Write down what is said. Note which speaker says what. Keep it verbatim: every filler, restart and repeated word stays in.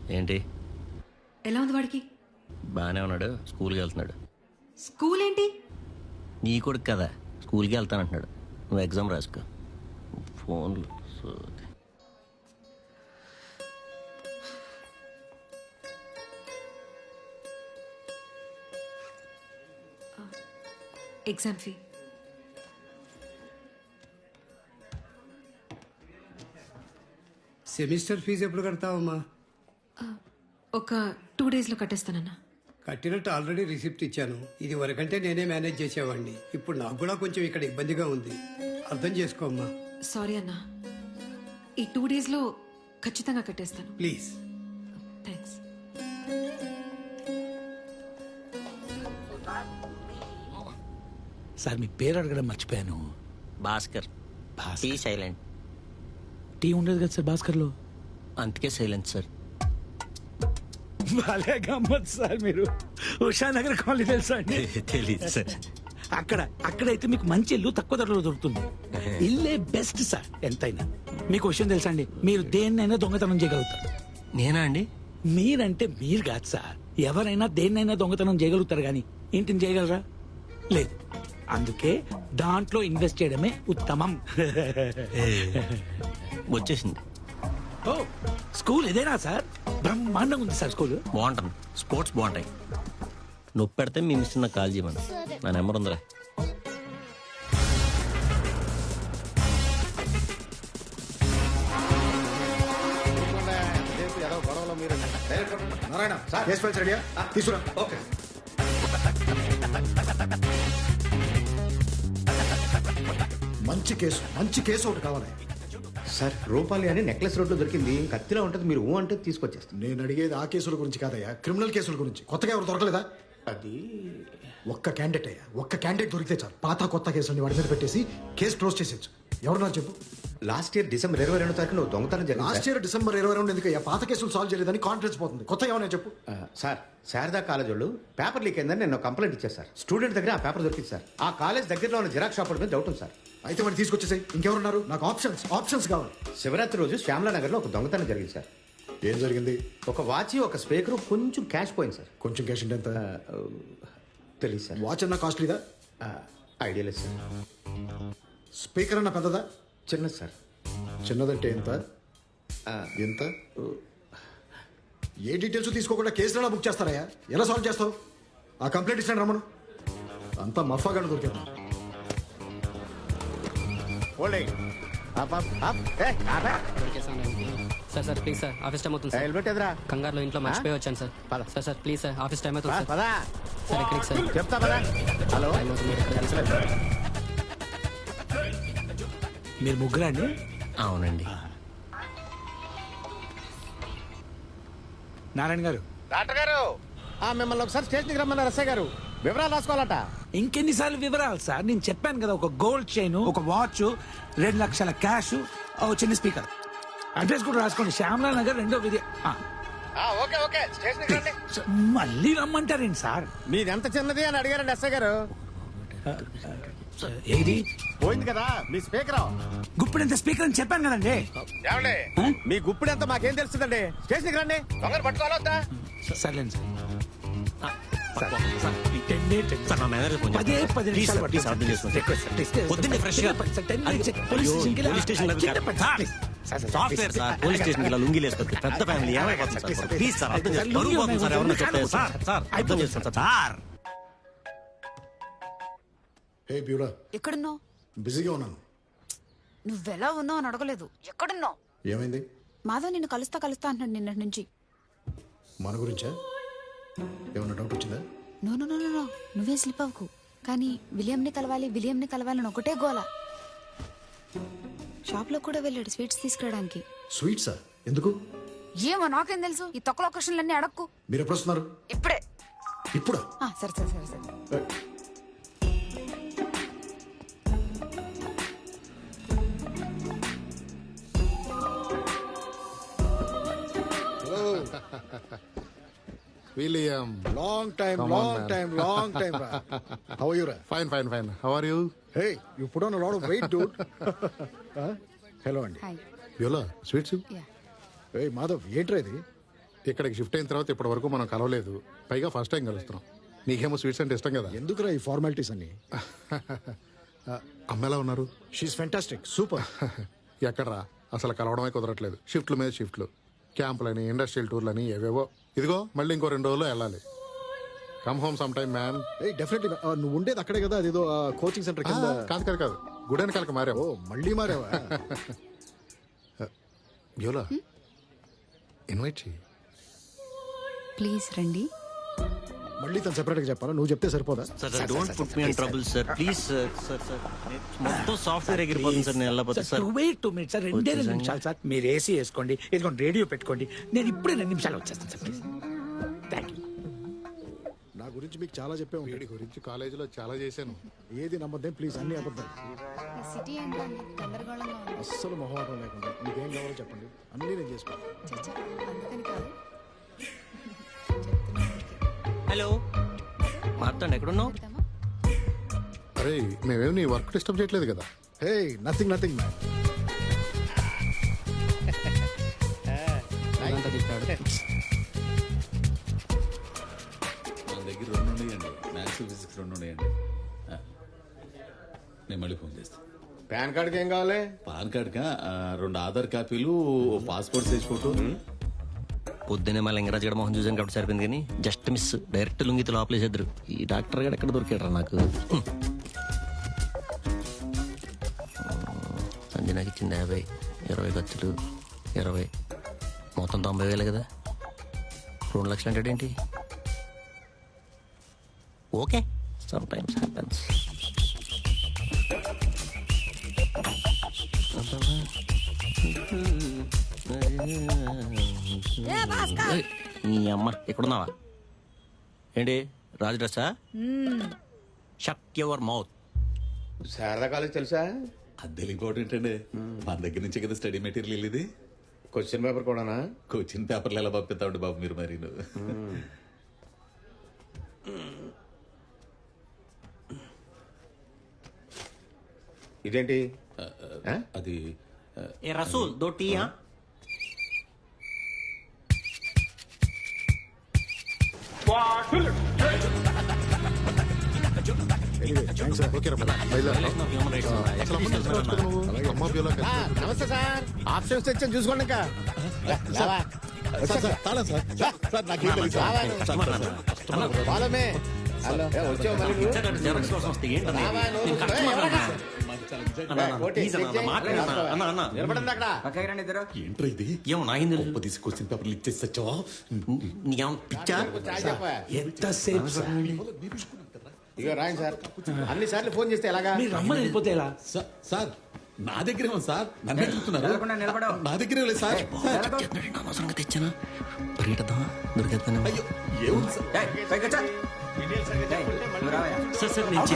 Speaker 1: ఏంటి?
Speaker 2: ఎలా ఉంది వాడికి?
Speaker 1: బాగానే ఉన్నాడు, స్కూల్కి వెళ్తున్నాడు.
Speaker 2: స్కూల్ ఏంటి?
Speaker 1: నీ కొడుకు కదా, స్కూల్కి వెళ్తానంటున్నాడు. నువ్వు ఎగ్జామ్ రాసుకో. ఫోన్లు సోది.
Speaker 2: ఎగ్జామ్ ఫీ
Speaker 3: సెమిస్టర్ ఫీజు ఎప్పుడు కడతావమ్మా?
Speaker 2: ఒక టూ డేస్లో కట్టేస్తానన్నా.
Speaker 3: కట్టినట్టు ఆల్రెడీ రిసిప్ట్ ఇచ్చాను. ఇది వరకంటే నేనే మేనేజ్ చేసేవాడిని. ఇప్పుడు నాకు కూడా కొంచెం ఇక్కడ ఇబ్బందిగా ఉంది, అర్థం చేసుకోమ్మా.
Speaker 2: సారీ అన్నా, ఈ టూ డేస్లో ఖచ్చితంగా కట్టేస్తాను.
Speaker 3: ప్లీజ్.
Speaker 2: థ్యాంక్స్.
Speaker 4: సార్ మీ పేరు అడగడం మర్చిపోయాను.
Speaker 1: భాస్కర్. Tea silent.
Speaker 4: టీ ఉండదు కదా సార్ భాస్కర్లో,
Speaker 1: అందుకే సైలెంట్ సార్.
Speaker 4: భలే గమ్మత్ సార్ మీరు. ఉషానగర్ కాలనీ తెలుసా అండి?
Speaker 1: తెలీదు సార్.
Speaker 4: అక్కడ అక్కడైతే మీకు మంచి ఇల్లు తక్కువ ధరలో దొరుకుతుంది. ఇల్లే బెస్ట్ సార్ ఎంతైనా. మీకు విషయం తెలుసా అండి, మీరు దేన్నైనా దొంగతనం చేయగలుగుతారు.
Speaker 1: నేనా అండి?
Speaker 4: మీరంటే మీరు కాదు సార్, ఎవరైనా దేన్నైనా దొంగతనం చేయగలుగుతారు కానీ ఇంటిని చేయగలరా? లేదు. అందుకే దాంట్లో ఇన్వెస్ట్ చేయడమే ఉత్తమం.
Speaker 1: వచ్చేసింది.
Speaker 4: ఓ స్కూల్ ఇదేనా సార్? బ్రహ్మాండంగా ఉంది సార్ స్కూల్.
Speaker 1: బాగుంటుంది, స్పోర్ట్స్ బాగుంటాయి. నొప్పి పెడితే మీ మిస్ నాకు కాల్ చేయమని. నా నెంబర్ ఉందిరా.
Speaker 5: నారాయణ కేసు ఫైల్స్ రెడీయా? తీసుకురా. ఓకే మంచి కేసు, మంచి కేసు ఒకటి కావాలి
Speaker 6: సార్. రూపాలి అని నెక్లెస్ రోడ్లో దొరికింది, కత్తిలో ఉంటుంది. మీరు ఊ అంటే తీసుకొచ్చేస్తాను.
Speaker 5: నేను అడిగేది ఆ కేసుల గురించి కాదయ్యా, క్రిమినల్ కేసుల గురించి. కొత్తగా ఎవరు దొరకలేదా?
Speaker 6: అది
Speaker 5: ఒక్క క్యాండిడేట్ అయ్యా, ఒక్క క్యాండిడేట్ దొరికితే చాలు. పాత కొత్త కేసులని వాడి మీద పెట్టేసి కేసు క్లోజ్ చేసేచ్చు. ఎవరున్నారు చెప్పు?
Speaker 6: లాస్ట్ ఇయర్ డిసెంబర్ ఇరవై రెండు తారీఖు నువ్వు దొంగతనం జరిగింది.
Speaker 5: లాస్ట్ ఇయర్ డిసెంబర్ ఇరవై రెండు ఎందుకయ్యా? పాత కేసులు సాల్వ్ చేయలేదని కాన్ఫిడెన్స్ పోతుంది. కొత్త ఏమన్నా చెప్పు.
Speaker 6: సార్, శారదా కాలేజ్ వాళ్ళు పేపర్ లీక్ అయిందని నేను కంప్లైంట్ ఇచ్చారు సార్. స్టూడెంట్ దగ్గర ఆ పేపర్ దొరికింది సార్. ఆ కాలేజ్ దగ్గరలో ఉన్న జిరాక్స్ షాప్ మీద డౌట్ ఉంది సార్.
Speaker 5: అయితే మరి తీసుకొచ్చేసాయి. ఇంకెవరున్నారు? నాకు ఆప్షన్స్ ఆప్షన్స్ కావాలి.
Speaker 6: శివరాత్రి రోజు శ్యామలా నగర్ లో ఒక దొంగతనం జరిగింది సార్.
Speaker 5: ఏం జరిగింది?
Speaker 6: ఒక వాచ్, ఒక స్పీకర్, కొంచెం క్యాష్ పోయింది సార్.
Speaker 5: కొంచెం క్యాష్ అంటే ఎంత?
Speaker 6: తెలియదు సార్.
Speaker 5: వాచ్ అన్న కాస్ట్లీదా?
Speaker 6: ఐడియా లేదు సార్.
Speaker 5: స్పీకర్ అన్న పెద్దదా?
Speaker 6: చిన్నది సార్.
Speaker 5: చిన్నదంటే ఎంత? ఎంత? ఏ డీటెయిల్స్ తీసుకోకుండా కేసులో బుక్ చేస్తారయ్యా? ఎలా సాల్వ్ చేస్తావు? ఆ కంప్లైంట్ ఇస్తాను రమ్మను. అంతా మఫాగాడు దొరికింది.
Speaker 7: Sir sir please sir, office time అవుతుంది సార్.
Speaker 6: హెల్మెట్ ఎదురా?
Speaker 7: కంగారులో ఇంట్లో మర్చిపోయి వచ్చాను sir. Sir sir please sir, office time అవుతుంది సార్. సార్ ఎక్కడికి సార్?
Speaker 6: చెప్తా పదా. హలో,
Speaker 7: టైం అవుతుంది, మీరు ఎక్కడికి సార్?
Speaker 4: మీరు ముగ్గురా అండి?
Speaker 1: అవునండి.
Speaker 4: నారాయణ గారు.
Speaker 6: డాక్టర్ గారు మిమ్మల్ని ఒకసారి స్టేషన్కి రమ్మన్నారు ఎస్ఐ గారు. వివరాలు రాసుకోవాలట.
Speaker 4: ఇంకెన్నిసార్లు వివరాలు సార్? నేను చెప్పాను కదా, ఒక గోల్డ్ చైన్, ఒక వాచ్, రెండు లక్షల క్యాష్, ఒక చిన్న స్పీకర్. అడ్రస్ కూడా రాసుకోండి, శ్యామలా నగర్ రెండో విధి.
Speaker 6: ఓకే ఓకే, స్టేషన్కి రండి.
Speaker 4: మళ్ళీ రమ్మంటారేంటి సార్?
Speaker 6: మీది ఎంత చిన్నది అని అడిగారండి ఎస్ఐ గారు.
Speaker 4: ఏది
Speaker 6: పోయింది కదా మీ స్పీకర్.
Speaker 4: గుప్పుడు ఎంత స్పీకర్ అని చెప్పాను కదండి.
Speaker 6: మీ గుప్పుడు ఎంత మాకేం తెలుస్తుందండి? స్టేషన్కి రండి. దొంగలు పట్టుకోవాలొద్దా?
Speaker 4: సర్లేండి సార్.
Speaker 1: పదే పది నిమిషాలు పొద్దున్నే ఫ్రెష్ గా సాఫ్ట్వేర్ సార్, పోలీస్ స్టేషన్ కి లుంగిలు వేసుకోవచ్చు. పెద్ద ఫ్యామిలీ ఏమైపోతుంది సార్? ప్లీజ్ సార్, అర్థం చేసుకోండి. బరువు పోతుంది సార్, ఎవరన్నా చెప్తే సార్. సార్ అర్థం చేసుకోండి సార్.
Speaker 5: హే బ్యూడా,
Speaker 8: ఎక్కడున్నావు?
Speaker 5: బిజీగా ఉన్నాను.
Speaker 8: నువ్వెలా ఉన్నావు అని అడగలేదు, ఎక్కడున్నావు?
Speaker 5: ఏమైంది?
Speaker 8: మాధవ్ నిన్ను కలుస్తా కలుస్తా అంటున్నాడు నిన్నటి నుంచి.
Speaker 5: మన గురించా? ఏమన్నా డౌట్ వచ్చిందా?
Speaker 8: నో నో నో నో, నువ్వే స్లిప్ అవ్వకు. కానీ విలియంని కలవాలి విలియంని కలవాలని ఒకటే గోల. షాప్ లో కూడా వెళ్ళాడు స్వీట్స్ తీసుకురావడానికి.
Speaker 5: స్వీట్సా? ఎందుకు?
Speaker 8: ఏమో నాకేం తెలుసు, ఈ తొక్కలో క్వశ్చన్లన్నీ అడక్కు.
Speaker 5: మీరు ఎప్పుడు వస్తున్నారు?
Speaker 8: ఇప్పుడే.
Speaker 5: ఇప్పుడా?
Speaker 8: ఆ, సరే సరే సరే సరే.
Speaker 9: William, long time, Come long on, time, long time. How are you? Ra?
Speaker 5: Fine, fine, fine. How are you?
Speaker 9: Hey, you put on a lot of weight, dude. huh? Hello, Andy.
Speaker 8: Hi.
Speaker 9: Viola, sweets?
Speaker 8: Yeah.
Speaker 9: Hey, Madhav, ఏంట్రా ఇది?
Speaker 10: ఇక్కడికి shift అయిన తర్వాత ఇప్పటి వరకు మనం కలవలేదు, పైగా ఫస్ట్ టైం కలుస్తున్నాం. నీకేమో స్వీట్స్ అంటే ఇష్టం కదా.
Speaker 5: ఎందుకురా ఈ ఫార్మాలిటీస్ అన్ని?
Speaker 10: అమ్మ ఎలా ఉన్నారు?
Speaker 5: షీఈ్ ఫెంటాస్టిక్, సూపర్.
Speaker 10: ఎక్కడరా, అసలు కలవడమే కుదరట్లేదు. షిఫ్ట్ల మీద షిఫ్ట్లు, క్యాంపులని, ఇండస్ట్రియల్ టూర్లని ఏవేవో. ఇదిగో మళ్ళీ ఇంకో రెండు రోజుల్లో వెళ్ళాలి. Come home some time man.
Speaker 5: Definitely. నువ్వు ఉండేది అక్కడే కదా, అదేదో కోచింగ్ సెంటర్ కింద.
Speaker 10: కాదు కాదు కాదు, గుడి వెనకాలకి మారావు.
Speaker 5: ఓ మళ్ళీ మారావా?
Speaker 10: బ్యూలా ఇన్వైట్ చెయ్యి.
Speaker 8: ప్లీజ్ రండి.
Speaker 5: మళ్ళీ తను సెపరేట్ గా చెప్పాలా? నువ్వు చెప్తే సరిపోదా?
Speaker 1: Sir don't put me in trouble sir, please sir. Sir sir మొత్తం సాఫ్ట్వేర్ ఎగిరిపోతుంది సార్, నేను వెళ్ళకపోతే sir.
Speaker 4: Wait two minutes sir, రెండే రెండు నిమిషాలు సార్. మీరు ఏసీ వేసుకోండి, వేసుకోండి, రేడియో పెట్టుకోండి. నేను ఇప్పుడే రెండు నిమిషాలు వచ్చేస్తాను సార్, ప్లీజ్. Thank you.
Speaker 5: నా గురించి మీకు చాలా చెప్పాము.
Speaker 10: వీడి గురించి కాలేజీలో చాలా చేశాను.
Speaker 5: ఏది నమ్మద్దేం ప్లీజ్, అన్ని అబద్ధాలు.
Speaker 8: ఈ సిటీ ఏంటండి గందరగోళంగా ఉంది.
Speaker 5: అస్సలు మొహమాటం లేకుండా మీకేం కావాలో చెప్పండి, అన్నీ నేను చేసుకుంటాను.
Speaker 8: చచ్చా, అందుకని కాదు.
Speaker 1: హలో మార్తాండ్, ఎక్కడున్నావు?
Speaker 8: చెప్తామా?
Speaker 10: అరే మేమేమి నీ వర్క్ డిస్టర్బ్ చేయట్లేదు కదా.
Speaker 5: Hey nothing nothing man.
Speaker 7: అదంతా తిప్పాడు.
Speaker 11: మన దగ్గర రెండు ఉన్నాయండి, మ్యాథ్స్ ఫిజిక్స్ రెండు ఉన్నాయండి. ఆ, నేను మళ్ళీ ఫోన్ చేస్తాను.
Speaker 6: పాన్ కార్డ్కి ఏం కావాలి?
Speaker 11: పాన్ కార్డ్కా ఆ, రెండు ఆధార్ కాపీలు, ఓ పాస్పోర్ట్ సైజ్ ఫోటో.
Speaker 1: పొద్దునే మళ్ళీ ఇంగరాజ్ గడ మొహం చూసాను కాబట్టి సరిపోయింది, కానీ జస్ట్ మిస్. డైరెక్ట్ లుంగితో లోపలేసేద్దరు. ఈ డాక్టర్ గడ ఎక్కడ దొరికాడరా నాకు? సంజనాకి ఇచ్చింది యాభై, ఇరవై ఖర్చులు ఇరవై, మొత్తం తొంభై వేలు కదా. రెండు లక్షలు అంటే ఏంటి? Okay, sometimes happens. నీ అమ్మ ఎక్కడున్నావా? ఏంటి రాజు డ్రెస్సా? Shut your mouth.
Speaker 6: Sharada college తెలుసా?
Speaker 11: అద్దెలు ఇంపార్టెంట్ అండి, మన దగ్గర నుంచే కదా స్టడీ మెటీరియల్ ఇది.
Speaker 6: క్వశ్చన్ పేపర్ కూడానా?
Speaker 11: కోచింగ్ పేపర్లు ఎలా పంపిస్తామండి బాబు మీరు మరి.
Speaker 6: ఇదేంటి?
Speaker 11: అది
Speaker 1: ఏ రసూల్ దో టీ.
Speaker 10: ఓకే రా, బయలుదేరు. అసలు అమ్మ తెలుసు కదా నువ్వు? అమ్మ బ్యూలా కలిసి.
Speaker 6: నమస్తే సార్, ఆప్షన్స్ తెచ్చాను చూసుకోండి. ఇంకా వాళ్ళమే వచ్చావు మళ్ళీ నిలబడింది అక్కడ.
Speaker 11: ఏంట్రా ఇది?
Speaker 1: ఏమో నాగింది
Speaker 11: గొప్ప తీసి క్వశ్చన్ పేపర్లు ఇచ్చేసి వచ్చావా?
Speaker 1: నీకేమో పిచ్చా?
Speaker 4: ఎంతసేపు సార్?
Speaker 6: ఇక రాయండి సార్. అన్ని సార్లు ఫోన్ చేస్తే ఎలాగా?
Speaker 4: మీరు రమ్మని వెళ్ళిపోతే ఎలా?
Speaker 11: సా- సార్ నా దగ్గరే ఉంది సార్, నన్ను అడుగుతున్నారు. నా దగ్గరే లేదు సార్.
Speaker 1: అనవసరంగా తెచ్చానా? పరిగెట్టద్దామా? దొరికేద్దాను.
Speaker 11: అయ్యో ఏముంది సార్?
Speaker 1: సార్ సార్ నేను